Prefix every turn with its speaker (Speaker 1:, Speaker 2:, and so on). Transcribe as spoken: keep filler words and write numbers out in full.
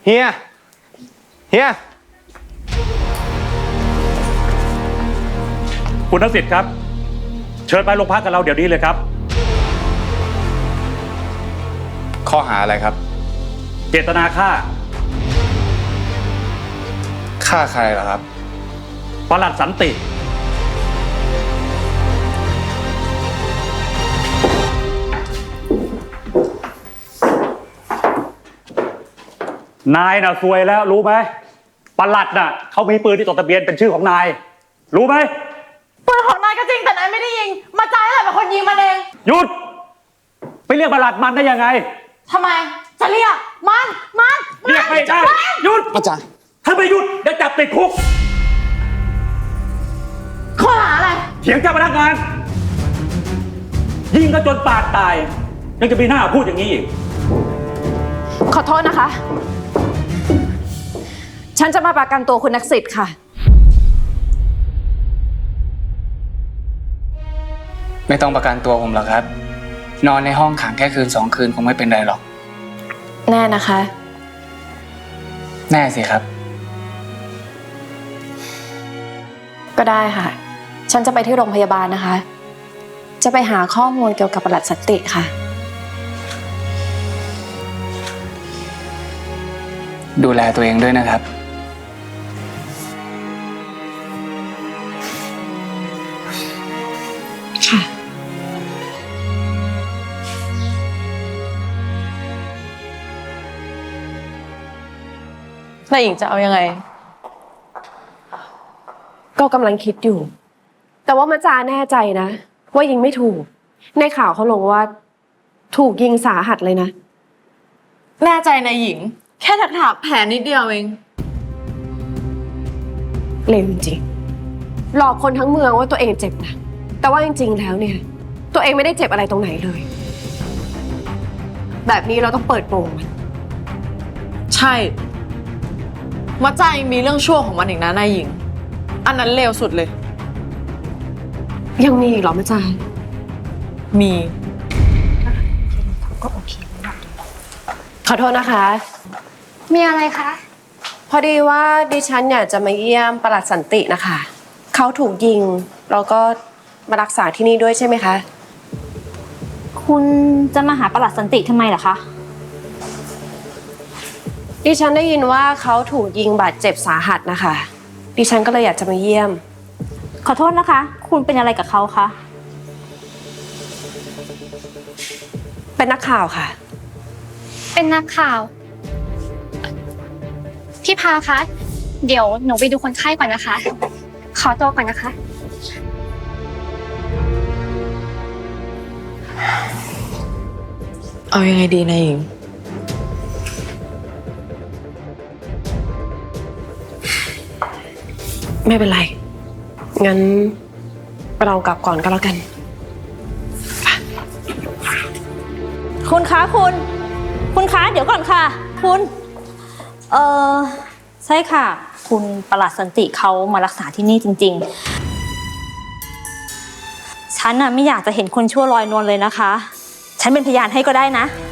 Speaker 1: เฮียเฮีย
Speaker 2: คุณทักษิณครับเชิญไปโรงพักกับเราเดี๋ยวนี้เลยครับ
Speaker 1: ข้อหาอะไรครับ
Speaker 2: เจตนาฆ่า
Speaker 1: ฆ่าใครเหรอครับ
Speaker 2: ปลัดสันตินายน่ะซวยแล้วรู้ไหมปลัดน่ะเขามีปืนที่จดทะเบียนเป็นชื่อของนายรู้ไหม
Speaker 3: ปืนของนายก็จริงแต่นายไม่ได้ยิงมาจ่ายแหละเป็นคนยิงมันเอง
Speaker 2: หยุดไปเรียกปลัดมันได้ยังไง
Speaker 3: ทำไมจะเรียกมันมัน
Speaker 2: เรียกไม่ได้หยุด
Speaker 1: อาจารย์
Speaker 2: ถ้าไม่หยุดเดี๋ยวจับติดคุก
Speaker 3: ข้อหาอะไร
Speaker 2: เถียงเจ้าพนักงานยิงก็จนปากตายยังจะมีหน้าพูดอย่างนี้อีก
Speaker 4: ขอโทษนะคะฉันจะมาประกันตัวคุณนักสิทธิ์ค่ะ
Speaker 5: ไม่ต้องประกันตัวผมหรอกครับนอนในห้องขังแค่คืนสองคืนคงไม่เป็นไรหรอก
Speaker 4: แน่นะคะ
Speaker 5: แน่สิครับ
Speaker 4: ก็ได้ค่ะฉันจะไปที่โรงพยาบาลนะคะจะไปหาข้อมูลเกี่ยวกับปลัดสันติค่ะ
Speaker 5: ดูแลตัวเองด้วยนะครับ
Speaker 4: ค่ะ
Speaker 3: นายหญิงจะเอายังไง
Speaker 4: ก็กำลังคิดอยู่แต่ว่ามาจาแน่ใจนะว่ายิงไม่ถูกในข่าวเขาลงว่าถูกยิงสาหัสเลยนะ
Speaker 3: แน่ใจนายหญิงแค่ถักถากแผลนิดเดียวเอง
Speaker 4: เลวจริงๆหลอกคนทั้งเมืองว่าตัวเองเจ็บนะแต่ว่าจริงๆแล้วเนี่ยตัวเองไม่ได้เจ็บอะไรตรงไหนเลยแบบนี้เราต้องเปิดโปงมัน
Speaker 3: ใช่มาจ่ายมีเรื่องชั่วของมันอีกนะนายหญิงอันนั้นเลวสุดเลย
Speaker 4: ยังมีอีกเหรอมาจา
Speaker 3: มี
Speaker 4: ก็โอเคขอโทษนะคะ
Speaker 6: มีอะไรคะ
Speaker 4: พอดีว่าดิฉันอยากจะมาเยี่ยมปลัดสันตินะคะเขาถูกยิงแล้วก็มารักษาที่นี่ด้วยใช่ไหมคะ
Speaker 6: คุณจะมาหาปลัดสันติทำไมเหรอคะ
Speaker 4: ดิฉันได้ยินว่าเขาถูกยิงบาดเจ็บสาหัสนะคะดิฉันก็เลยอยากจะมาเยี่ยม
Speaker 6: ขอโทษนะคะคุณเป็นอะไรกับเขาคะ
Speaker 4: เป็นนักข่าวค่ะ
Speaker 6: เป็นนักข่าวพี่พาคะเดี๋ยวหนูไปดูคนไข้ก่อนนะคะขอตัวก่อนนะคะ
Speaker 3: เอายังไงดีนายหญิง
Speaker 4: ไม่เป็นไรงั้นเรากลับก่อนก็แล้วกัน
Speaker 6: คุณคะคุณคุณคะเดี๋ยวก่อนค่ะคุณเออใช่ค่ะคุณปลัดสันติเขามารักษาที่นี่จริงๆฉันน่ะไม่อยากจะเห็นคนชั่วลอยนวลเลยนะคะฉันเป็นพยานให้ก็ได้นะ